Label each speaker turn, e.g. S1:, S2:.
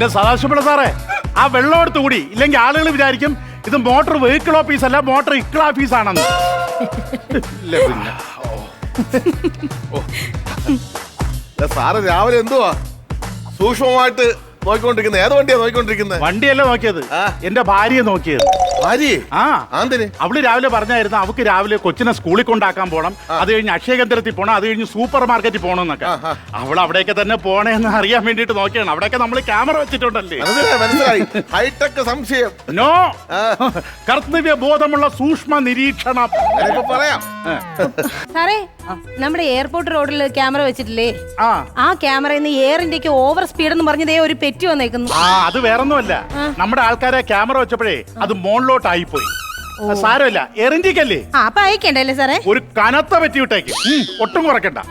S1: എന്റെ സദാശിവപിള്ള സാറേ, ആ വെള്ളം എടുത്ത് കൂടി, ഇല്ലെങ്കിൽ ആളുകൾ വിചാരിക്കും ഇത് മോട്ടോർ വെഹിക്കിൾ ഓഫീസ് അല്ല, മോട്ടോർ ഇക്കിൾ ഓഫീസ് ആണെന്ന്.
S2: സാറ് രാവിലെ എന്തുവാ സൂക്ഷ്മമായിട്ട് നോക്കിക്കൊണ്ടിരിക്കുന്നത്? ഏത് വണ്ടിയാ നോക്കിക്കൊണ്ടിരിക്കുന്നത്?
S1: വണ്ടിയല്ല നോക്കിയത്, എന്റെ ഭാര്യയെ നോക്കിയത്.
S2: ഭാര്യയെ?
S1: ആ,
S2: ആന്തിന്?
S1: അവള് രാവിലെ പറഞ്ഞായിരുന്നു അവക്ക് രാവിലെ കൊച്ചിനെ സ്കൂളിൽ കൊണ്ടാക്കാൻ പോണം, അത് കഴിഞ്ഞ് അക്ഷയ കേന്ദ്രത്തിൽ പോണം, അത് കഴിഞ്ഞ് സൂപ്പർ മാർക്കറ്റിൽ പോകണമെന്നൊക്കെ. അവൾ അവിടെയൊക്കെ തന്നെ പോണേന്ന് അറിയാൻ വേണ്ടിട്ട് നോക്കിയാണ്. അവിടെയൊക്കെ നമ്മൾ ക്യാമറ വെച്ചിട്ടുണ്ടല്ലേ.
S2: മനസ്സിലായി. ഹൈടെക് സംശയം.
S1: നോ, കർത്തവ്യ ബോധമുള്ള സൂക്ഷ്മ നിരീക്ഷണം.
S2: പറയാം
S3: സാറേ, നമ്മുടെ എയർപോർട്ട് റോഡിൽ ക്യാമറ വെച്ചിട്ടില്ലേ? ആ ക്യാമറയിൽ നിന്ന് എയർ ഇന്ത്യക്ക് ഓവർ സ്പീഡ് എന്ന് പറഞ്ഞതേ ഒരു പെറ്റി വന്നേക്കുന്നു.
S1: അത് വേറൊന്നുമല്ല, നമ്മുടെ ആൾക്കാരെ ക്യാമറ വെച്ചപ്പോഴേ അത് മോണിലോട്ടായി പോയി. സാരമില്ല, എയർ ഇന്ത്യക്കല്ലേ.
S3: അപ്പൊ അയക്കണ്ടല്ലേ സാറേ?
S1: ഒരു കനത്ത പറ്റി വിട്ടേക്ക്, ഒട്ടും കുറയ്ക്കണ്ട.